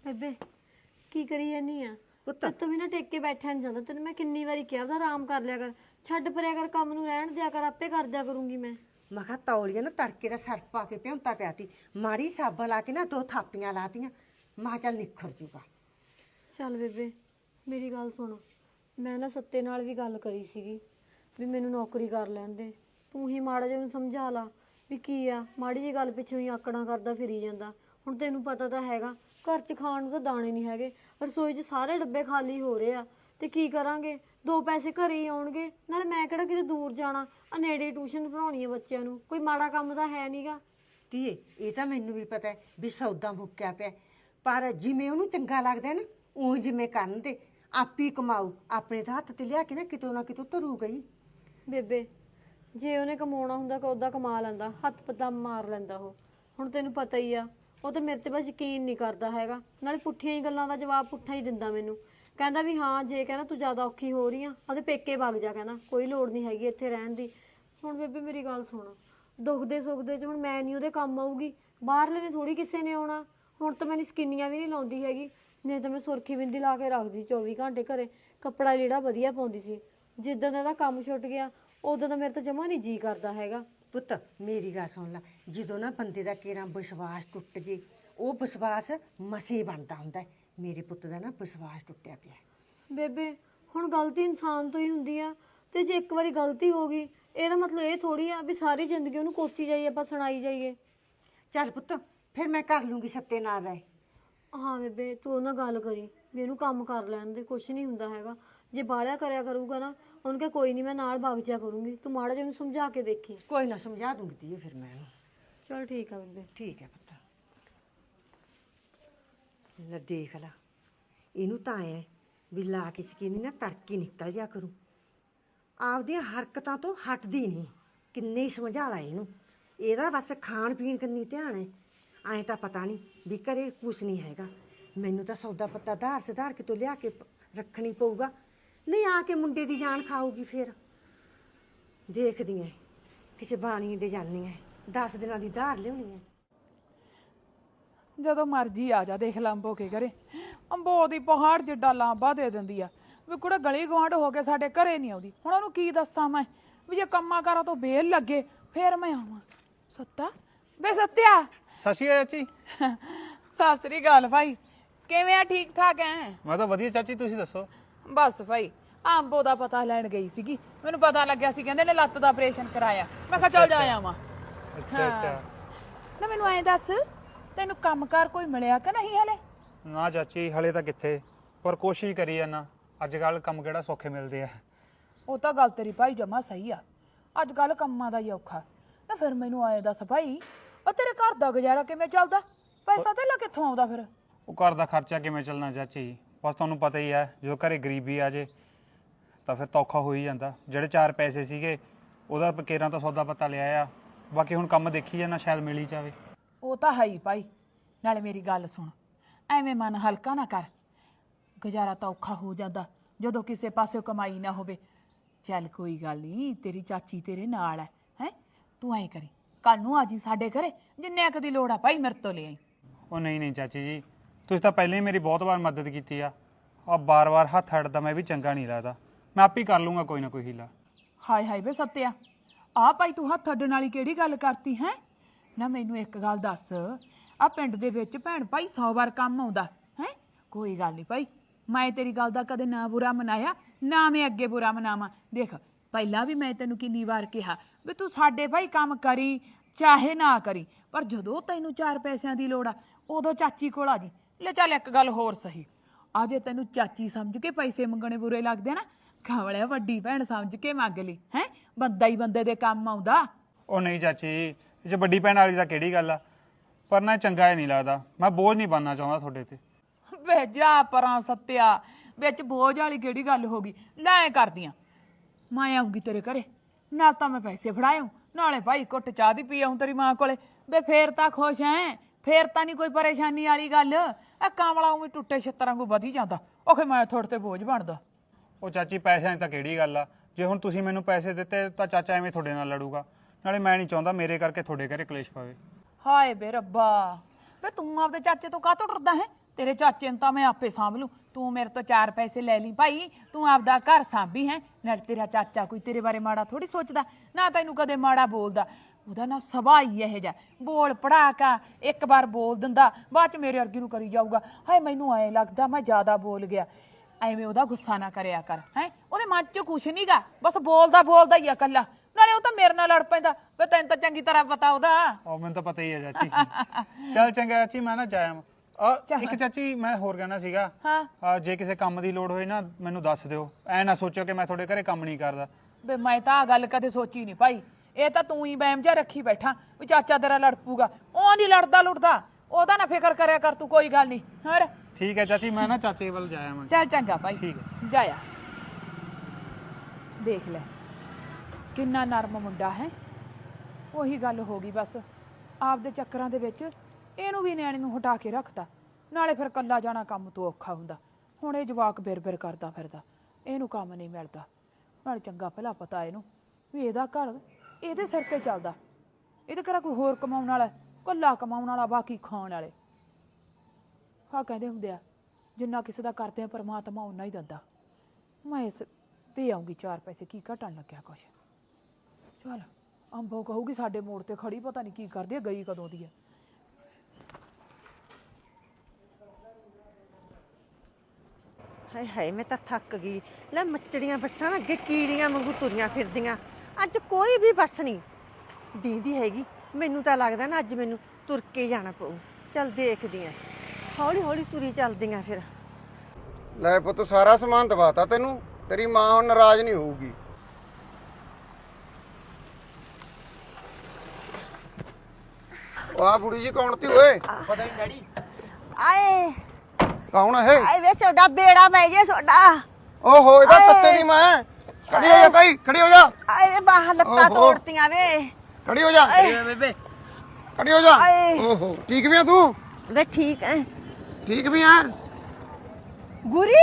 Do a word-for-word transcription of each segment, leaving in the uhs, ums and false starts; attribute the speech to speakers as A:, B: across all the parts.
A: ਬੇਬੇ ਕੀ ਕਰੀ ਜਾਨੀ ਆ?
B: ਪੁੱਤ
A: ਤੂੰ ਵੀ ਨਾ ਟੇਕ ਕੇ ਬੈਠਿਆ ਨਹੀਂ ਜਾਂਦਾ। ਤੈਨੂੰ ਮੈਂ ਕਿੰਨੀ ਵਾਰੀ ਕਿਹਾ ਉਹਦਾ ਆਰਾਮ ਕਰ ਲਿਆ ਕਰ, ਛੱਡ ਪਰਿਆ ਕਰ, ਕੰਮ ਨੂੰ ਰਹਿਣ ਦਿਆ ਕਰ, ਆਪੇ ਕਰ ਦਿਆ ਕਰੂੰਗੀ ਮੈਂ।
B: ਮੈਂ ਕਿਹਾ ਤੌਲੀਆ ਨਾ ਤੜਕੇ ਦਾ ਸਰਫ ਪਾ ਕੇ ਭਿਉਂਤਾ ਪਿਆ ਤੀ, ਮਾੜੀ ਸਾਬਣ ਲਾ ਕੇ ਨਾ ਦੋ ਥਾਪੀਆਂ ਲਾਤੀਆਂ। ਮੈਂ ਕਿਹਾ ਚੱਲ ਨਿਖਰ ਜੂਗਾ।
A: ਚੱਲ ਬੇਬੇ ਮੇਰੀ ਗੱਲ ਸੁਣ, ਮੈਂ ਨਾ ਸੱਤੇ ਨਾਲ ਵੀ ਗੱਲ ਕਰੀ ਸੀਗੀ ਵੀ ਮੈਨੂੰ ਨੌਕਰੀ ਕਰ ਲੈਣ ਦੇ। ਤੂੰ ਹੀ ਮਾੜਾ ਜਿਹਾ ਉਹਨੂੰ ਸਮਝਾ ਲਾ ਵੀ ਕੀ ਆ, ਮਾੜੀ ਜਿਹੀ ਗੱਲ ਪਿੱਛੋਂ ਹੀ ਆਕੜਾਂ ਕਰਦਾ ਫਿਰੀ ਜਾਂਦਾ। ਹੁਣ ਤੈਨੂੰ ਪਤਾ ਤਾਂ ਹੈਗਾ ਘਰ 'ਚ ਖਾਣ ਨੂੰ ਤਾਂ ਦਾਣੇ ਨਹੀਂ ਹੈਗੇ, ਰਸੋਈ 'ਚ ਸਾਰੇ ਡੱਬੇ ਖਾਲੀ ਹੋ ਰਹੇ ਆ ਤੇ ਕੀ ਕਰਾਂਗੇ? ਦੋ ਪੈਸੇ ਘਰੇ ਹੀ ਆਉਣਗੇ, ਨਾਲੇ ਮੈਂ ਕਿਹੜਾ ਕਿਤੇ ਦੂਰ ਜਾਣਾ, ਆ ਨੇੜੇ ਟਿਊਸ਼ਨ ਪੜਾਉਣੀ ਹੈ ਬੱਚਿਆਂ ਨੂੰ, ਕੋਈ ਮਾੜਾ ਕੰਮ ਤਾਂ ਹੈ ਨਹੀਂਗਾ।
B: ਧੀਏ ਇਹ ਤਾਂ ਮੈਨੂੰ ਵੀ ਪਤਾ ਹੈ ਵੀ ਸੌਦਾ ਮੁੱਕਿਆ ਪਿਆ, ਪਰ ਜਿਵੇਂ ਉਹਨੂੰ ਚੰਗਾ ਲੱਗਦਾ ਨਾ ਉਹ ਜਿਵੇਂ ਕਰਨ ਤੇ ਆਪੀ ਕਮਾਊ, ਆਪਣੇ ਤਾਂ ਹੱਥ ਤੇ ਲਿਆ ਕੇ ਨਾ ਕਿਤੋਂ ਨਾ ਕਿਤੋਂ ਧਰੂ ਗਈ।
A: ਬੇਬੇ ਜੇ ਉਹਨੇ ਕਮਾਉਣਾ ਹੁੰਦਾ ਤਾਂ ਉਹਦਾ ਕਮਾ ਲੈਂਦਾ, ਹੱਥ ਪੱਤਾ ਮਾਰ ਲੈਂਦਾ ਉਹ। ਹੁਣ ਤੈਨੂੰ ਪਤਾ ਹੀ ਆ ਉਹ ਤਾਂ ਮੇਰੇ ਤੇ ਬਸ ਯਕੀਨ ਨਹੀਂ ਕਰਦਾ ਹੈਗਾ, ਨਾਲੇ ਪੁੱਠੀਆਂ ਹੀ ਗੱਲਾਂ ਦਾ ਜਵਾਬ ਪੁੱਠਾ ਹੀ ਦਿੰਦਾ ਮੈਨੂੰ। ਕਹਿੰਦਾ ਵੀ ਹਾਂ ਜੇ ਕਹਿੰਦਾ ਤੂੰ ਜ਼ਿਆਦਾ ਔਖੀ ਹੋ ਰਹੀ ਆ ਉਹਦੇ ਪੇਕੇ ਵਗ ਜਾ, ਕਹਿੰਦਾ ਕੋਈ ਲੋੜ ਨਹੀਂ ਹੈਗੀ ਇੱਥੇ ਰਹਿਣ ਦੀ। ਹੁਣ ਬੇਬੇ ਮੇਰੀ ਗੱਲ ਸੁਣ, ਦੁੱਖ ਦੇ ਸੁੱਖ ਦੇ 'ਚ ਹੁਣ ਮੈਂ ਨਹੀਂ ਉਹਦੇ ਕੰਮ ਆਊਗੀ, ਬਾਹਰਲੇ ਨੇ ਥੋੜੀ ਕਿਸੇ ਨੇ ਆਉਣਾ। ਹੁਣ ਤਾਂ ਮੈਂ ਸਕੀਨੀਆਂ ਵੀ ਨਹੀਂ ਲਾਉਂਦੀ ਹੈਗੀ, ਨਹੀਂ ਤਾਂ ਮੈਂ ਸੁਰਖੀ ਬਿੰਦੀ ਲਾ ਕੇ ਰੱਖਦੀ ਚੌਵੀ ਘੰਟੇ ਘਰੇ, ਕੱਪੜਾ ਜਿਹੜਾ ਵਧੀਆ ਪਾਉਂਦੀ ਸੀ। ਜਿੱਦਾਂ ਦਾ ਇਹਦਾ ਕੰਮ ਛੁੱਟ ਗਿਆ ਉਦੋਂ ਤਾਂ ਮੇਰੇ ਤਾਂ ਜਮਾ ਨਹੀਂ ਜੀ ਕਰਦਾ ਹੈਗਾ।
B: ਪੁੱਤ ਮੇਰੀ ਗੱਲ ਸੁਣ ਲੈ, ਜਦੋਂ ਨਾ ਬੰਦੇ ਦਾ ਕੇਰਾਂ ਵਿਸ਼ਵਾਸ ਟੁੱਟ ਜੇ ਉਹ ਵਿਸ਼ਵਾਸ ਮਸੇ ਬਣਦਾ ਹੁੰਦਾ। ਮੇਰੇ ਪੁੱਤ ਦਾ ਨਾ ਵਿਸ਼ਵਾਸ ਟੁੱਟਿਆ ਪਿਆ।
A: ਬੇਬੇ ਹੁਣ ਗਲਤੀ ਇਨਸਾਨ ਤੋਂ ਹੀ ਹੁੰਦੀ ਆ, ਤੇ ਜੇ ਇੱਕ ਵਾਰੀ ਗਲਤੀ ਹੋ ਗਈ ਇਹਦਾ ਮਤਲਬ ਇਹ ਥੋੜੀ ਆ ਵੀ ਸਾਰੀ ਜ਼ਿੰਦਗੀ ਉਹਨੂੰ ਕੋਸੀ ਜਾਈਏ, ਆਪਾਂ ਸੁਣਾਈ ਜਾਈਏ।
B: ਚੱਲ ਪੁੱਤ ਫਿਰ ਮੈਂ ਕਰ ਲੂੰਗੀ, ਸੱਤੇ ਨਾਲ ਰਹਿ।
A: ਹਾਂ ਬੇਬੇ ਤੂੰ ਉਹਨਾਂ ਗੱਲ ਕਰੀ ਵੀ ਇਹਨੂੰ ਕੰਮ ਕਰ ਲੈਣ ਦੇ, ਕੁਛ ਨਹੀਂ ਹੁੰਦਾ ਹੈਗਾ। ਜੇ ਬਾਹਲਿਆ ਕਰਿਆ ਕਰੂਗਾ ਨਾ ਉਹਨੂੰ ਕਿਹਾ ਕੋਈ ਨਹੀਂ ਮੈਂ ਨਾਲ ਵਗ ਜਾ ਕਰੂੰਗੀ, ਤੂੰ ਮਾੜਾ ਜਿਹਾ ਉਹਨੂੰ ਸਮਝਾ ਕੇ ਦੇਖੀ।
B: ਕੋਈ ਨਾ ਸਮਝਾ ਦੂੰਗੀ ਧੀਏ ਫਿਰ ਮੈਂ ਉਹਨੂੰ।
A: ਚਲ ਠੀਕ ਆ ਬੇਬੇ।
B: ਠੀਕ ਹੈ ਪੁੱਤ। ਲੈ ਦੇਖ ਲਾ, ਇਹਨੂੰ ਤਾਂ ਐ ਵੀ ਲਾ ਕੇ ਸਕੀਨੀ ਨਾ ਤੜਕੇ ਨਿਕਲ ਜਾ ਕਰੂ, ਆਪਦੀਆਂ ਹਰਕਤਾਂ ਤੋਂ ਹਟਦੀ ਨਹੀਂ। ਕਿੰਨੇ ਹੀ ਸਮਝਾ ਲਾ ਇਹਨੂੰ, ਇਹਦਾ ਬਸ ਖਾਣ ਪੀਣ ਕੰਨੀ ਧਿਆਨ ਹੈ। ਐਂ ਤਾਂ ਪਤਾ ਨਹੀਂ ਵੀ ਘਰੇ ਕੁਛ ਨਹੀਂ ਹੈਗਾ। ਮੈਨੂੰ ਤਾਂ ਸੌਦਾ ਪੱਤਾ ਧਾਰ ਸੁਧਾਰ ਕੇ ਤੋਂ ਲਿਆ ਕੇ ਰੱਖਣੀ ਪਊਗਾ, ਨਹੀਂ ਆ ਕੇ ਮੁੰਡੇ ਦੀ ਜਾਨ ਖਾਊਗੀ। ਫਿਰ ਦੇਖਦੀ ਐ ਕਿਸੇ ਬਾਣੀ ਦੇ ਜਾਨੀ ਐ, ਦਸ ਦਿਨਾਂ ਦੀ ਧਾਰ ਲਿਆਉਣੀ ਐ।
C: ਜਦੋਂ ਮਰਜੀ ਆ ਜਾ, ਦੇਖ ਲੰਬੋ ਕੇ ਘਰੇ ਅੰਬੋ ਦੀ ਪਹਾੜ ਜਿੱਡਾ ਲਾਂਬਾ ਦੇ ਦਿੰਦੀ ਆ ਵੀ ਕੁੜੇ ਗਲੀ ਗਵਾਂਢ ਹੋ ਕੇ ਸਾਡੇ ਘਰੇ ਨਹੀਂ ਆਉਂਦੀ। ਹੁਣ ਉਹਨੂੰ ਕੀ ਦੱਸਾਂ ਮੈਂ ਵੀ ਜੇ ਕੰਮਾਂ ਕਾਰਾਂ ਤੋਂ ਬੇਲ ਲੱਗੇ ਫੇਰ ਮੈਂ ਆਵਾਂ। ਸੱਤਾ ਬੇ ਸੱਤਿਆ।
D: ਸਤਿ ਸ਼੍ਰੀ ਅਕਾਲ ਚਾਚੀ।
C: ਸਤਿ ਸ੍ਰੀ ਅਕਾਲ ਭਾਈ, ਕਿਵੇਂ ਆ? ਠੀਕ ਠਾਕ ਐ?
D: ਮੈਂ ਤਾਂ ਵਧੀਆ ਚਾਚੀ, ਤੁਸੀਂ ਦੱਸੋ?
C: ਬਸ ਭਾਈ ਅੰਬੋ ਦਾ ਪਤਾ ਲੈਣ ਗਈ ਸੀਗੀ, ਮੈਨੂੰ ਪਤਾ ਲੱਗਿਆ ਸੀ ਕਹਿੰਦੇ ਨੇ ਲੱਤ ਦਾ ਆਪਰੇਸ਼ਨ ਕਰਾਇਆ। ਮੈਂ ਕਿਹਾ ਚੱਲ ਜਾ ਆਵਾਂ।
D: ਅੱਛਾ ਅੱਛਾ।
C: ਨਾ ਮੈਨੂੰ ਐਂ ਦੱਸ ਤੈਨੂੰ ਕੰਮਕਾਰ ਕੋਈ ਮਿਲਿਆ ਕਿ ਨਹੀਂ ਹਲੇ?
D: ਨਾ ਚਾਚੀ ਹਲੇ ਤਾਂ ਕਿੱਥੇ, ਪਰ ਕੋਸ਼ਿਸ਼ ਕਰੀ ਜਾਨਾ। ਅੱਜ ਕੱਲ ਕੰਮ ਕਿਹੜਾ ਸੌਖੇ ਮਿਲਦੇ ਆ।
C: ਉਹ ਤਾਂ ਗੱਲ ਤੇਰੀ ਭਾਈ ਜਮਾ ਸਹੀ ਆ, ਅੱਜ ਕੱਲ ਕੰਮਾਂ ਦਾ ਹੀ ਔਖਾ ਨਾ। ਫਿਰ ਮੈਨੂੰ ਆਏ ਦੱਸ ਭਾਈ, ਉਹ ਤੇਰੇ ਘਰ ਦਾ ਗੁਜ਼ਾਰਾ ਕਿਵੇਂ ਚੱਲਦਾ? ਪੈਸਾ ਧੇਲਾ ਕਿੱਥੋਂ ਆਉਂਦਾ ਫਿਰ?
D: ਉਹ ਘਰ ਦਾ ਖਰਚਾ ਕਿਵੇਂ ਚੱਲਣਾ ਚਾਚੀ, ਬਸ ਤੁਹਾਨੂੰ ਪਤਾ ਹੀ ਹੈ ਜੋ ਘਰੇ ਗਰੀਬੀ ਆ ਜੇ ਤਾਂ ਫਿਰ ਤਾਂ ਔਖਾ ਹੋ ਹੀ ਜਾਂਦਾ। ਜਿਹੜੇ ਚਾਰ ਪੈਸੇ ਸੀਗੇ ਉਹਦਾ ਕੇਰਾਂ ਤਾਂ ਸੌਦਾ ਪੱਤਾ ਲਿਆ ਆ, ਬਾਕੀ ਹੁਣ ਕੰਮ ਦੇਖੀ ਜਾਣਾ, ਸ਼ਾਇਦ ਮਿਲ ਹੀ ਜਾਵੇ।
C: ਉਹ ਤਾਂ ਹੈ ਹੀ ਭਾਈ। ਨਾਲੇ ਮੇਰੀ ਗੱਲ ਸੁਣ, ਐਵੇਂ ਮਨ ਹਲਕਾ ਨਾ ਕਰ, ਗੁਜ਼ਾਰਾ ਤਾਂ ਔਖਾ ਹੋ ਜਾਂਦਾ ਜਦੋਂ ਕਿਸੇ ਪਾਸੇ ਕਮਾਈ ਨਾ ਹੋਵੇ। ਚੱਲ ਕੋਈ ਗੱਲ ਨਹੀਂ, ਤੇਰੀ ਚਾਚੀ ਤੇਰੇ ਨਾਲ ਹੈ ਹੈ ਤੂੰ ਐਂ ਕਰੀ ਕੱਲ ਨੂੰ ਆ ਜੀ ਸਾਡੇ ਘਰੇ, ਜਿੰਨੇ ਕੁ ਦੀ ਲੋੜ ਆ ਭਾਈ ਮੇਰੇ ਤੋਂ ਲੈ ਆਈ।
D: ਉਹ ਨਹੀਂ ਨਹੀਂ ਚਾਚੀ ਜੀ, ਤੁਸੀਂ ਤਾਂ ਪਹਿਲਾਂ ਹੀ ਮੇਰੀ ਬਹੁਤ ਵਾਰ ਮਦਦ ਕੀਤੀ ਆ, ਆ ਬਾਰ-ਬਾਰ ਹੱਥ ਅੜਦਾ ਮੈਂ ਵੀ ਚੰਗਾ ਨਹੀਂ ਲੱਗਦਾ। ਮੈਂ ਆਪ ਹੀ ਕਰ ਲੂੰਗਾ ਕੋਈ ਨਾ ਕੋਈ ਹੀਲਾ।
C: ਹਾਏ ਹਾਏ ਵੇ ਸੱਤਿਆ, ਆ ਭਾਈ ਤੂੰ ਹੱਥ ਅੱਡਣ ਵਾਲੀ ਕਿਹੜੀ ਗੱਲ ਕਰਤੀ ਹੈ? ਨਾ ਮੈਨੂੰ ਇੱਕ ਗੱਲ ਦੱਸ, ਆ ਪਿੰਡ ਦੇ ਵਿੱਚ ਭੈਣ ਭਾਈ ਸੌ ਵਾਰ ਕੰਮ ਆਉਂਦਾ ਹੈ। ਕੋਈ ਗੱਲ ਨਹੀਂ ਭਾਈ, ਮੈਂ ਤੇਰੀ ਗੱਲ ਦਾ ਕਦੇ ਨਾ ਬੁਰਾ ਮਨਾਇਆ, ਨਾ ਮੈਂ ਅੱਗੇ ਬੁਰਾ ਮਨਾਵਾਂ। ਦੇਖ ਪਹਿਲਾਂ ਵੀ ਮੈਂ ਤੈਨੂੰ ਕਿੰਨੀ ਵਾਰ ਕਿਹਾ ਵੀ ਤੂੰ ਸਾਡੇ ਭਾਈ ਕੰਮ ਕਰੀ ਚਾਹੇ ਨਾ ਕਰੀ, ਪਰ ਜਦੋਂ ਤੈਨੂੰ ਚਾਰ ਪੈਸਿਆਂ ਦੀ ਲੋੜ ਆ ਉਦੋਂ ਚਾਚੀ ਕੋਲ ਆ ਜੀ। ਲੈ ਚੱਲ ਇੱਕ ਗੱਲ ਹੋਰ ਸਹੀ, ਆ ਜੇ ਤੈਨੂੰ ਚਾਚੀ ਸਮਝ ਕੇ ਪੈਸੇ ਮੰਗਣੇ ਬੁਰੇ ਲੱਗਦੇ ਨਾ, ਖਾਵਲਿਆ ਵੱਡੀ ਭੈਣ ਸਮਝ ਕੇ ਮੰਗ ਲਈ ਹੈ, ਬੰਦਾ ਹੀ ਬੰਦੇ ਦੇ ਕੰਮ ਆਉਂਦਾ।
D: ਉਹ ਨਹੀਂ ਚਾਚੀ, ਜੇ ਵੱਡੀ ਭੈਣ ਵਾਲੀ ਤਾਂ ਕਿਹੜੀ ਗੱਲ ਆ, ਪਰ ਨਾ ਚੰਗਾ ਹੀ ਨਹੀਂ ਲੱਗਦਾ। ਮੈਂ ਬੋਝ ਨਹੀਂ ਬਣਨਾ ਚਾਹੁੰਦਾ ਤੁਹਾਡੇ ਤੇ।
C: ਵੇ ਜਾ ਪਰਾਂ ਸੱਤਿਆ, ਵਿੱਚ ਬੋਝ ਵਾਲੀ ਕਿਹੜੀ ਗੱਲ ਹੋ ਗਈ? ਲੈ ਕਰਦੀਆਂ, ਮੈਂ ਆਉਂਗੀ ਤੇਰੇ ਘਰੇ, ਨਾਲ ਤਾਂ ਮੈਂ ਪੈਸੇ ਫੜਾਇਓ, ਨਾਲੇ ਭਾਈ ਘੁੱਟ ਚਾਹ ਦੀ ਪੀ ਆਉਂ ਤੇਰੀ ਮਾਂ ਕੋਲੇ। ਵੇ ਫੇਰ ਤਾਂ ਖੁਸ਼ ਐ, ਫੇਰ ਤਾਂ ਨਹੀਂ ਕੋਈ ਪਰੇਸ਼ਾਨੀ ਵਾਲੀ ਗੱਲ। ਇਹ ਕਾਮਲਾ ਉਵੇਂ ਟੁੱਟੇ ਛਿੱਤਰਾਂ ਕੋ ਵਧੀ ਜਾਂਦਾ, ਉਹ ਮੈਂ ਥੋੜੇ ਤੇ ਬੋਝ ਬਣਦਾ।
D: ਉਹ ਚਾਚੀ ਪੈਸਿਆਂ ਦੀ ਤਾਂ ਕਿਹੜੀ ਗੱਲ ਆ, ਜੇ ਹੁਣ ਤੁਸੀਂ ਮੈਨੂੰ ਪੈਸੇ ਦਿੱਤੇ ਤਾਂ ਚਾਚਾ ਐਵੇਂ ਤੁਹਾਡੇ ਨਾਲ ਲੜੂਗਾ, ਨਾਲੇ ਮੈਂ ਨਹੀਂ ਚਾਹੁੰਦਾ ਮੇਰੇ ਕਰਕੇ ਤੁਹਾਡੇ ਘਰੇ ਕਲੇਸ਼ ਪਵੇ।
C: ਹਾਏ ਬੇ ਰੱਬਾ, ਵੇ ਤੂੰ ਆਪਦੇ ਚਾਚੇ ਤੋਂ ਕਾਹਤੋਂ ਡਰਦਾ ਹੈ? ਤੇਰੇ ਚਾਚੇ ਨੂੰ ਤਾਂ ਮੈਂ ਆਪੇ ਸਾਂਭ ਲੂੰ, ਤੂੰ ਮੇਰੇ ਤੋਂ ਚਾਰ ਪੈਸੇ ਲੈ ਲਈ ਭਾਈ, ਤੂੰ ਆਪਦਾ ਘਰ ਸਾਂਭੀ ਹੈ। ਨਾਲ ਤੇਰਾ ਚਾਚਾ ਕੋਈ ਤੇਰੇ ਬਾਰੇ ਮਾੜਾ ਥੋੜੀ ਸੋਚਦਾ, ਨਾ ਤੈਨੂੰ ਕਦੇ ਮਾੜਾ ਬੋਲਦਾ। ਉਹਦਾ ਨਾ ਸੁਭਾਅ ਹੀ ਇਹੋ ਜਿਹਾ, ਬੋਲ ਪੜਾਕਾ, ਇੱਕ ਵਾਰ ਬੋਲ ਦਿੰਦਾ ਬਾਅਦ ਚ ਮੇਰੇ ਵਰਗੀ ਨੂੰ ਕਰੀ ਜਾਊਗਾ। ਹਾਏ ਮੈਨੂੰ ਐਂ ਲੱਗਦਾ ਮੈਂ ਜ਼ਿਆਦਾ ਬੋਲ ਗਿਆ। ਐਵੇਂ ਉਹਦਾ ਗੁੱਸਾ ਨਾ ਕਰਿਆ ਕਰ ਹੈ, ਉਹਦੇ ਮਨ ਚ ਕੁਛ ਨਹੀਂਗਾ, ਬਸ ਬੋਲਦਾ ਬੋਲਦਾ ਹੀ ਆ ਇਕੱਲਾ। ਨਾਲੇ ਉਹ ਤਾਂ ਮੇਰੇ ਨਾਲ ਲੜ ਪੈਂਦਾ, ਵੇ ਤੈਨੂੰ ਤਾਂ ਚੰਗੀ ਤਰ੍ਹਾਂ ਪਤਾ ਉਹਦਾ।
D: ਉਹ ਮੈਨੂੰ ਤਾਂ ਪਤਾ ਹੀ ਹੈ ਚਾਚੀ। ਚੱਲ ਚੰਗਾ ਚਾਚੀ, ਮੈਂ ਨਾ ਜਾਇਆ। ਆ ਇੱਕ ਚਾਚੀ ਮੈਂ ਹੋਰ ਕਹਿਣਾ ਸੀਗਾ,
C: ਹਾਂ
D: ਜੇ ਕਿਸੇ ਕੰਮ ਦੀ ਲੋੜ ਹੋਏ ਨਾ ਮੈਨੂੰ ਦੱਸ ਦਿਓ, ਐ ਨਾ ਸੋਚਿਓ ਕਿ ਮੈਂ ਤੁਹਾਡੇ ਘਰੇ ਕੰਮ ਨਹੀਂ ਕਰਦਾ।
C: ਵੇ ਮੈਂ ਤਾਂ ਆ ਗੱਲ ਕਦੇ ਸੋਚੀ ਨਹੀਂ ਭਾਈ, ਇਹ ਤਾਂ ਤੂੰ ਹੀ ਬੈਮ ਜਿਹਾ ਰੱਖੀ ਬੈਠਾ ਵੀ ਚਾਚਾ ਤੇਰਾ ਲੜ ਪੂਗਾ। ਉਹ ਨਹੀਂ ਲੜਦਾ ਲੁੜਦਾ, ਉਹਦਾ ਨਾ ਫਿਕਰ ਕਰਿਆ ਕਰ ਤੂੰ, ਕੋਈ ਗੱਲ ਨਹੀਂ। ਹੋਰ
D: ਠੀਕ ਹੈ ਚਾਚੀ, ਮੈਂ ਨਾ ਚਾਚੇ ਵੱਲ ਜਾਇਆ ਮੈਂ।
C: ਚੱਲ ਚੰਗਾ ਭਾਈ,
D: ਠੀਕ ਹੈ
C: ਜਾਇਆ। ਦੇਖ ਲੈ ਕਿੰਨਾ ਨਰਮ ਮੁੰਡਾ ਹੈ। ਉਹੀ ਗੱਲ ਹੋ ਗਈ ਬਸ, ਆਪਦੇ ਚੱਕਰਾਂ ਦੇ ਵਿੱਚ ਇਹਨੂੰ ਵੀ ਨਿਆਣੇ ਨੂੰ ਹਟਾ ਕੇ ਰੱਖਤਾ। ਨਾਲੇ ਫਿਰ ਕੱਲਾ ਜਾਣਾ ਕੰਮ ਤੋਂ ਔਖਾ ਹੁੰਦਾ। ਹੁਣ ਇਹ ਜਵਾਕ ਬਿਰ ਬਿਰ ਕਰਦਾ ਫਿਰਦਾ, ਇਹਨੂੰ ਕੰਮ ਨਹੀਂ ਮਿਲਦਾ। ਨਾਲੇ ਚੰਗਾ ਭਲਾ ਪਤਾ ਇਹਨੂੰ ਵੀ ਇਹਦਾ ਘਰ ਇਹਦੇ ਸਿਰ ਤੇ ਚੱਲਦਾ, ਇਹਦੇ ਘਰ ਕੋਈ ਹੋਰ ਕਮਾਉਣ ਵਾਲਾ, ਕੱਲਾ ਕਮਾਉਣ ਵਾਲਾ, ਬਾਕੀ ਖਾਣ ਵਾਲੇ। ਹਾਂ ਕਹਿੰਦੇ ਹੁੰਦੇ ਆ, ਜਿੰਨਾ ਕਿਸੇ ਦਾ ਕਰਦੇ ਆ ਪਰਮਾਤਮਾ ਓਨਾ ਹੀ ਦਿੰਦਾ। ਮੈਂ ਇਸ ਤੇ ਆਉਂਗੀ ਚਾਰ ਪੈਸੇ, ਕੀ ਘਟਣ ਲੱਗਿਆ ਕੁਛ। ਚੱਲ ਅੰਬੋ ਕਹੂਗੀ ਸਾਡੇ ਮੋੜ ਤੇ ਖੜੀ, ਪਤਾ ਨਹੀਂ ਕੀ ਕਰਦੀ ਹੈ, ਗਈ ਕਦੋਂ ਦੀ ਹੈ।
B: ਹਾਏ ਹਾਏ ਮੈਂ ਤਾਂ ਥੱਕ ਗਈ। ਲੈ ਮੱਚੜੀਆਂ ਬੱਸਾਂ ਨਾ ਅੱਗੇ ਕੀੜੀਆਂ ਵਾਂਗੂ ਤੁਰੀਆਂ ਫਿਰਦੀਆਂ, ਅੱਜ ਕੋਈ ਵੀ ਬੱਸ ਨਹੀਂ ਦੀਂਦੀ ਹੈਗੀ। ਮੈਨੂੰ ਤਾਂ ਲੱਗਦਾ ਨਾ ਅੱਜ ਮੈਨੂੰ ਤੁਰ ਕੇ ਜਾਣਾ ਪਊ। ਚੱਲ ਦੇਖਦੀ ਆਂ, ਹੌਲੀ ਹੌਲੀ ਤੁਰੀ ਚੱਲਦੀਆਂ ਫਿਰ।
E: ਲੈ ਪੁੱਤ ਸਾਰਾ ਸਮਾਨ ਦਵਾਤਾ ਤੈਨੂੰ, ਤੇਰੀ ਮਾਂ ਹੁਣ ਨਾਰਾਜ਼ ਨਹੀਂ ਹੋਊਗੀ। ਵਾਹ ਬੁੜੀ ਜੀ ਕੌਣ ਤੀ ਓਏ?
F: ਪਤਾ ਨਹੀਂ ਡੈਡੀ।
B: ਆਏ
E: ਕੌਣ ਹੈ?
B: ਆਏ ਵੇ ਛੋਡਾ ਬੇੜਾ ਪੈ ਜੇ ਛੋਡਾ।
E: ਓਹੋ ਇਹਦਾ ਸੱਤੇ ਦੀ ਮਾਂ। ਖੜੀ ਹੋ ਜਾ ਭਾਈ, ਖੜੀ ਹੋ ਜਾ।
B: ਆਏ ਵੇ ਬਾਹਾਂ ਲੱਤਾਂ ਤੋੜਤੀਆਂ ਵੇ।
E: ਖੜੀ ਹੋ ਜਾ,
F: ਬੇਬੇ
E: ਖੜੀ ਹੋ ਜਾ।
B: ਆਏ।
E: ਓਹੋ ਠੀਕ ਵੀ ਆ ਤੂੰ?
B: ਵੇ ਠੀਕ ਹੈ
E: ਠੀਕ ਵੀ ਆ?
B: ਗੁਰੀ,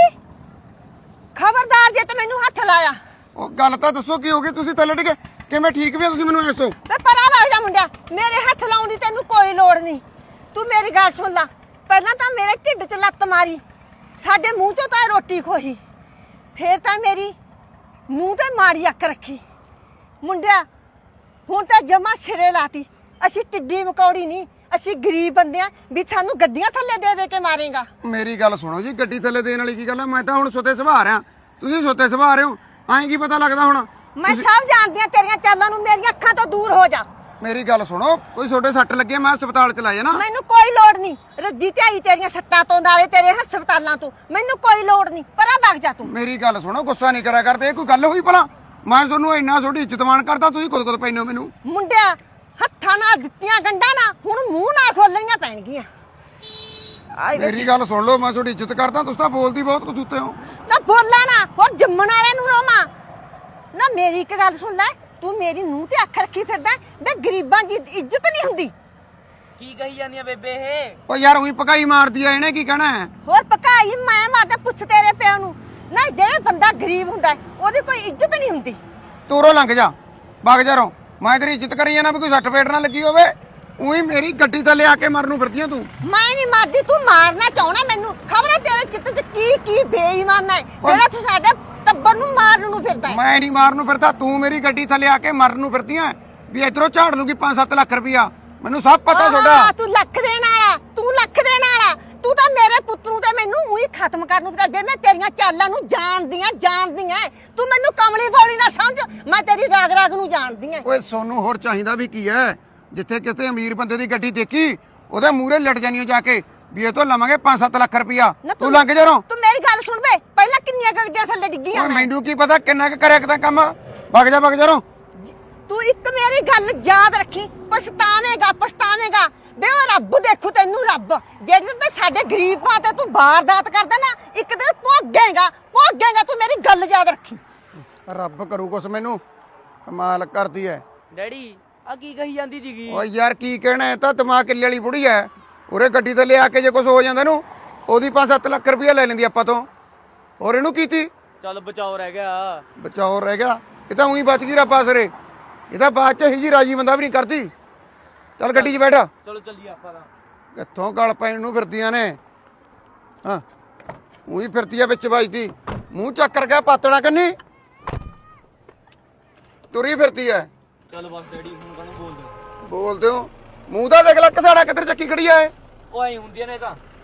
B: ਖਬਰਦਾਰ ਜੇ ਤੇ ਮੈਨੂੰ ਹੱਥ ਲਾਇਆ।
E: ਉਹ ਗੱਲ ਤਾਂ ਦੱਸੋ ਕੀ ਹੋ ਗਈ? ਤੁਸੀਂ ਥੱਲੇ ਡਿੱਗੇ ਕਿਵੇਂ? ਠੀਕ ਵੀ ਆ ਤੁਸੀਂ? ਮੈਨੂੰ ਦੱਸੋ।
B: ਵੇ ਪਰਾਂ ਵਗ ਜਾ ਮੁੰਡਿਆ, ਮੇਰੇ ਹੱਥ ਲਾਉਣ ਦੀ ਤੈਨੂੰ ਕੋਈ ਲੋੜ ਨਹੀਂ। ਤੂੰ ਮੇਰੀ ਗੱਲ ਸੁਣ ਲੈ, ਪਹਿਲਾਂ ਤਾਂ ਮੇਰੇ ਢਿੱਡ 'ਚ ਲੱਤ ਮਾਰੀ, ਸਾਡੇ ਮੂੰਹ 'ਚੋਂ ਤਾਂ ਰੋਟੀ ਖੋਹੀ, ਫੇਰ ਤਾਂ ਮੇਰੀ ਮੂੰਹ ਤੇ ਮਾੜੀ ਅੱਖ ਰੱਖੀ। ਮੁੰਡਿਆ ਹੁਣ ਤਾਂ ਜਮਾ ਸਿਰੇ ਲਾਤੀ। ਅਸੀਂ ਟਿੱਡੀ ਮਕੌੜੀ ਨਹੀਂ, ਅਸੀਂ ਗਰੀਬ ਬੰਦੇ ਆ ਵੀ ਸਾਨੂੰ ਗੱਡੀਆਂ ਥੱਲੇ ਦੇ ਦੇ ਕੇ ਮਾਰੇਗਾ।
E: ਮੇਰੀ ਗੱਲ ਸੁਣੋ ਜੀ, ਗੱਡੀ ਥੱਲੇ ਦੇਣ ਵਾਲੀ ਕੀ ਗੱਲ ਆ? ਮੈਂ ਤਾਂ ਹੁਣ ਸੁੱਤੇ ਸੁਭਾ ਰਿਆ, ਤੁਸੀਂ ਸੁੱਤੇ ਸੁਭਾ ਰਹੇ ਹੋ। ਐਂ ਕੀ ਪਤਾ ਲੱਗਦਾ ਹੁਣ?
B: ਮੈਂ ਸਭ ਜਾਣਦੀ ਆ ਤੇਰੀਆਂ ਚਾਲਾਂ ਨੂੰ, ਮੇਰੀਆਂ ਅੱਖਾਂ ਤੋਂ ਦੂਰ ਹੋ ਜਾ।
E: ਮੇਰੀ ਗੱਲ ਸੁਣੋ, ਕੋਈ ਛੋਟੇ ਸੱਟ ਲੱਗੇ ਮੈਂ ਹਸਪਤਾਲ ਚ ਲਾਇਆ ਨਾ।
B: ਮੈਨੂੰ ਕੋਈ ਲੋੜ ਨਹੀਂ ਰੱਜੀ ਤੇ ਆਈ ਤੇਰੀਆਂ ਸੱਟਾਂ ਤੋਂ, ਨਾਲੇ ਤੇਰੇ ਹਸਪਤਾਲਾਂ ਤੋਂ। ਮੈਨੂੰ ਕੋਈ ਲੋੜ ਨਹੀਂ, ਪਰਾਂ ਭੱਗ ਜਾ ਤੂੰ।
E: ਮੇਰੀ ਗੱਲ ਸੁਣੋ, ਗੁੱਸਾ ਨਹੀਂ ਕਰਿਆ ਕਰਦੇ। ਇਹ ਕੋਈ ਗੱਲ ਹੋਈ ਭਲਾ? ਮੈਂ ਤੁਹਾਨੂੰ ਇੰਨਾ ਤੁਹਾਡੀ ਇੱਜ਼ਤ ਮਾਣ ਕਰਦਾ, ਤੁਸੀਂ ਖੁਦ ਖੁਦ ਪੈਨੋ ਮੈਨੂੰ।
B: ਮੁੰਡਿਆ ਹੱਥਾਂ ਨਾਲ ਦਿੱਤੀਆਂ ਗੰਢਾਂ ਨਾ ਹੁਣ ਮੂੰਹ ਨਾਲ ਖੋਲਣੀਆਂ ਪੈਣਗੀਆਂ। ਆਏ ਵੇ
E: ਮੇਰੀ ਗੱਲ ਸੁਣ ਲਓ, ਮੈਂ ਤੁਹਾਡੀ ਇੱਜ਼ਤ ਕਰਦਾ, ਤੁਸੀਂ ਤਾਂ ਬੋਲਦੀ ਬਹੁਤ ਕੁਝ ਉੱਤੇ ਹੋ।
B: ਨਾ ਬੋਲਾ ਨਾ, ਹੋਰ ਜੰਮਣ ਵਾਲਿਆਂ ਨੂੰ ਰੋਵਾਂ ਨਾ। ਮੇਰੀ ਇੱਕ ਗੱਲ ਸੁਣ ਲੈ, ਤੂੰ ਮੇਰੀ ਨੂੰਹ ਤੇ ਅੱਖ ਰੱਖੀ ਫਿਰਦਾ ਵੇ। ਗਰੀਬਾਂ ਦੀ ਇੱਜ਼ਤ ਨਹੀਂ ਹੁੰਦੀ।
F: ਕੀ ਕਹੀ ਜਾਂਦੀਆਂ ਬੇਬੇ ਇਹ?
E: ਓ ਯਾਰ ਉਹੀ ਪਕਾਈ ਮਾਰਦੀ ਆ, ਇਹਨੇ ਕੀ ਕਹਿਣਾ ਹੈ?
B: ਹੋਰ ਪਕਾਈ ਮੈਂ ਮਾਰਦਾ, ਪੁੱਛ ਤੇਰੇ ਪਿਓ ਨੂੰ। ਨਾ ਜਿਹੜੇ ਬੰਦਾ ਗਰੀਬ ਹੁੰਦਾ ਹੈ, ਉਹਦੀ ਕੋਈ ਇੱਜ਼ਤ ਨਹੀਂ ਹੁੰਦੀ।
E: ਤੂਰੋਂ ਲੰਘ ਜਾ, ਵਗ ਜਾ ਰੋ। ਮੈਂ ਤੇਰੀ ਇੱਜ਼ਤ ਕਰੀ ਜਾਣਾ ਵੀ ਕੋਈ ਸੱਟ ਫੇਟ ਨਾ ਲੱਗੀ ਹੋਵੇ। ਉਹੀ ਮੇਰੀ ਗੱਡੀ ਥੱਲੇ ਆ ਕੇ ਮਰਨ ਨੂੰ ਫਿਰਦੀਆਂ ਤੂੰ।
B: ਮੈਂ ਨਹੀਂ ਮਾਰਦੀ, ਤੂੰ ਮਾਰਨਾ ਚਾਹਣਾ ਮੈਨੂੰ। ਖਬਰ ਹੈ ਤੇਰੇ ਚਿੱਤ 'ਚ ਕੀ ਕੀ ਬੇਈਮਾਨ ਹੈ ਜਿਹੜਾ ਤੂੰ ਸਾਡੇ ਟੱਬਰ ਨੂੰ ਮਾਰਨ ਨੂੰ ਫਿਰਦਾ ਹੈ।
E: ਮੈਂ ਨਹੀਂ ਮਾਰਨ ਨੂੰ ਫਿਰਦਾ, ਤੂੰ ਮੇਰੀ ਗੱਡੀ ਥੱਲੇ ਆ ਕੇ ਮਰਨ ਨੂੰ ਫਿਰਦੀਆਂ ਵੀ ਇਧਰੋਂ ਝਾੜ ਲੂਗੀ ਪੰਜ ਸੱਤ ਲੱਖ ਰੁਪਇਆ। ਮੈਨੂੰ ਸਭ ਪਤਾ ਤੁਹਾਡਾ।
B: ਹਾਂ, ਤੂੰ ਲੱਖ ਦੇਣ ਵਾਲਾ, ਤੂੰ ਲੱਖ ਦੇਣ ਵਾਲਾ। ਤੂੰ ਤਾਂ ਮੇਰੇ ਪੁੱਤ ਨੂੰ ਤੇ ਮੈਨੂੰ ਉਹੀ ਖਤਮ ਕਰਨ ਨੂੰ ਫਿਰਦਾ। ਮੈਂ ਤੇਰੀਆਂ ਚਾਲਾਂ ਨੂੰ ਜਾਣਦੀ ਆਂ, ਜਾਣਦੀ ਆਂ। ਤੂੰ ਮੈਨੂੰ ਕਮਲੀ ਬੋਲੀ ਨਾ ਸਮਝ, ਮੈਂ ਤੇਰੀ ਰਾਗ ਰਾਗ ਨੂੰ ਜਾਣਦੀ ਆਂ।
E: ਓਏ ਸੋਨੂੰ ਹੋਰ ਚਾਹੀਦਾ ਵੀ ਕੀ ਹੈ? ਜਿੱਥੇ ਕਿਤੇ ਅਮੀਰ ਬੰਦੇ ਦੀ ਗੱਡੀ ਦੇਖੀ, ਉਹਦੇ ਮੂਹਰੇ ਲਟ ਜਾਨੀ ਹੋ ਜਾ ਕੇ ਵੀ ਇਹ ਤੋਂ ਲਵਾਂਗੇ ਪੰਜ ਸੱਤ ਲੱਖ ਰੁਪਇਆ। ਤੂੰ ਲੰਘ ਜਾ ਰੋ।
B: ਤੂੰ ਮੇਰੀ ਗੱਲ ਸੁਣ ਬੇ, ਪਹਿਲਾਂ ਕਿੰਨੀਆਂ ਗੱਡੀਆਂ ਥੱਲੇ ਡਿੱਗੀਆਂ
E: ਓਏ
B: ਮੈਂ।
E: ਮੈਨੂੰ ਕੀ ਪਤਾ ਕਿੰਨਾ ਕੁ ਕਰਿਆ ਕਿਤਾ ਕੰਮ। ਵਗ ਜਾ ਵਗ ਜਾ ਰੋ।
B: ਤੂੰ ਇੱਕ ਮੇਰੀ ਗੱਲ ਯਾਦ ਰੱਖੀ, ਪਛਤਾਵੇਂਗਾ ਪਛਤਾਵੇਂਗਾ ਬੇ। ਉਹ ਰੱਬ ਦੇਖੂ ਤੈਨੂੰ, ਰੱਬ ਜਿਹੜੇ ਤੇ ਸਾਡੇ ਗਰੀਬਾਂ ਤੇ ਤੂੰ ਵਾਰਦਾਤ ਕਰਦਾ ਨਾ, ਇੱਕ ਦਿਨ ਭੋਗੇਗਾ ਭੋਗੇਗਾ। ਤੂੰ ਮੇਰੀ ਗੱਲ ਯਾਦ ਰੱਖੀ।
E: ਰੱਬ ਕਰੂ ਕੁਛ ਮੈਨੂੰ, ਕਮਾਲ ਕਰਦੀ ਐ।
F: ਡੈਡੀ ਆ ਕੀ ਕਹੀ ਜਾਂਦੀ ਸੀਗੀ?
E: ਓਏ ਯਾਰ ਕੀ ਕਹਿਣਾ, ਇਹ ਤਾਂ ਦਿਮਾਗ ਕਿੱਲੇ ਵਾਲੀ ਬੁੜੀ ਐ। ਉਰੇ ਗੱਡੀ ਤੇ ਲਿਆ ਕੇ ਜੇ ਕੁਝ ਹੋ ਜਾਂਦਾ ਨੂੰ, ਉਹਦੀ ਪੰਜ ਸੱਤ ਲੱਖ ਰੁਪਇਆ ਲੈ ਲੈਂਦੀ ਆਪਾਂ ਤੋਂ। ਹੋਰ ਇਹਨੂੰ ਕੀਤੀ
F: ਚੱਲ ਬਚਾਓ ਰਹਿ ਗਿਆ।
E: ਬਚਾਓ ਰਹਿ ਗਿਆ। ਇਹ ਤਾਂ ਉਹੀ ਬਚ ਗਈ ਰੱਬ ਆਸਰੇ। ਇਹ ਤਾਂ ਬਾਅਦ ਚ ਹੀ ਜੀ ਰਾਜੀ ਬੰਦਾ ਵੀ ਨਹੀਂ ਕਰਦੀ। ਚੱਲ ਗੱਡੀ 'ਚ ਬੈਠ।
F: ਚਲੋ ਚੱਲੀਏ ਆਪਾਂ ਤਾਂ।
E: ਕਿੱਥੋਂ ਗਲ ਪੈਣ ਨੂੰ ਫਿਰਦੀਆਂ ਨੇ। ਹਾਂ ਉਹੀ ਫਿਰਤੀ ਆ ਵਿੱਚ ਵੱਜਦੀ ਮੂੰਹ ਚੱਕਰ ਗਿਆ ਪਾਤਣਾ ਕੰਨੀ ਤੁਰੀ ਫਿਰਤੀ ਐ
F: ਚੱਲ ਬਸ ਡੈਡੀ ਹੁਣ ਕਾਹਨੂੰ ਬੋਲਦੇ ਹੋ?
E: ਬੋਲਦੇ ਹੋ ਮੂੰਹ ਦਾ ਦੇਖ ਲੈ ਕਸਾੜਾ ਕਿੱਧਰ ਚੱਕੀ ਖੜੀ ਐ
F: ਉਹ ਐਂ ਹੁੰਦੀਆਂ ਨੇ ਤਾਂ